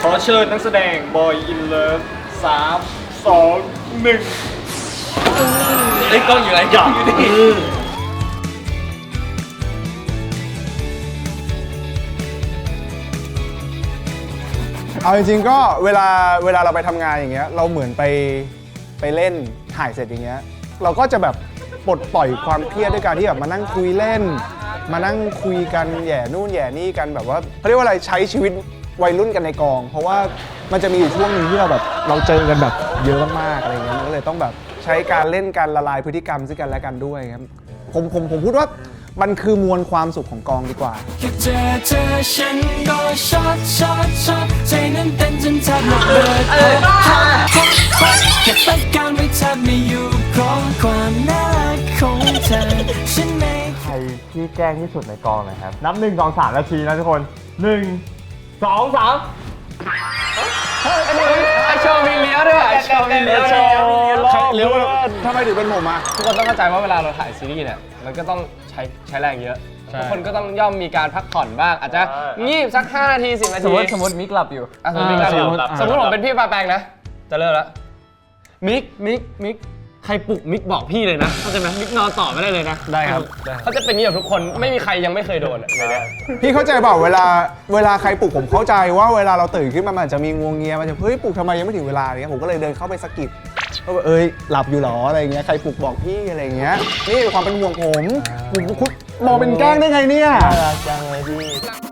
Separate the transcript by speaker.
Speaker 1: ขอเชิญนักแสดงบอยอินเลิฟ3 2 1ไอ้กล้องอยู่ไหนกล้องอยู่นี่
Speaker 2: เอาจริงๆก็เวลาเราไปทำงานอย่างเงี้ยเราเหมือนไปเล่นถ่ายเสร็จอย่างเงี้ยเราก็จะแบบปลดปล่อยความเครียดด้วยการที่แบบมานั่งคุยเล่นมานั่งคุยกันแย่นู่นแย่นี่กันแบบว่าเขาเรียกว่าอะไรใช้ชีวิตวัยรุ่นกันในกองเพราะว่ามันจะมีอยู่ช่วงหนึงที่เราแบบเราเจอกันแบบเยอะมากๆอะไรเงี้ยมันก็เลยต้องแบบใช้การเล่นการละลายพฤติกรรมซึ่งกันและกันด้วยครับผมพูดว่ามันคือมวลความสุขของกองดีกว่า
Speaker 3: แค่เจอฉันก็ช็อตใจนั้นเต้นจนแทบระเบิดแค่ตัดการไว้แทบไม่อยู่เพราะความน่ารักของเธอฉันไม่
Speaker 4: ใครที่แกล้งที่สุดในกองนะครับนับ1 2 3นาทีนะทุกคน1 2 3
Speaker 1: ไอโชว์มีเลี้ยวด้วยไอโชว์มีเลี้ยว
Speaker 2: เลี้ยวทำไมถึงเป็นผมอ่ะ
Speaker 5: ทุกคนต้องเข้าใจว่าเวลาเราถ่ายซีรีส์เนี่ยมันก็ต้องใช้แรงเยอะทุกคนก็ต้องย่อมมีการพักผ่อนบ้างอาจจะงีบสัก5 นาที 10 นาที
Speaker 4: สมมติมิกหลับอยู่
Speaker 5: สมมติมิกหลับอยู่สมมติผมเป็นพี่ปาแปงนะจะเลิกแล้วมิกใครปลุกมิกบอกพี่เลยนะเข้าใจไหมมิกนอนต่อไม่ได้เลยนะได้ครับเขาจะเป็นอย่างนี้กับทุกคนไม่มีใครยังไม่เคยโดนในนี้
Speaker 2: พี่เข้าใจเปล่าเวลาใครปลุกผมเข้าใจว่าเวลาเราตื่นขึ้นมามันจะมีงวงเงียมันจะเฮ้ยปลุกทำไมยังไม่ถึงเวลาเนี่ยผมก็เลยเดินเข้าไปสะกิดก็แบบหลับอยู่หรออะไรเงี้ยใครปลุกบอกพี่อะไรเงี้ยนี่ความเป็นห่วงผมมองเป็นแกล้งได้ไงเนี่ย
Speaker 4: จังเลยพี่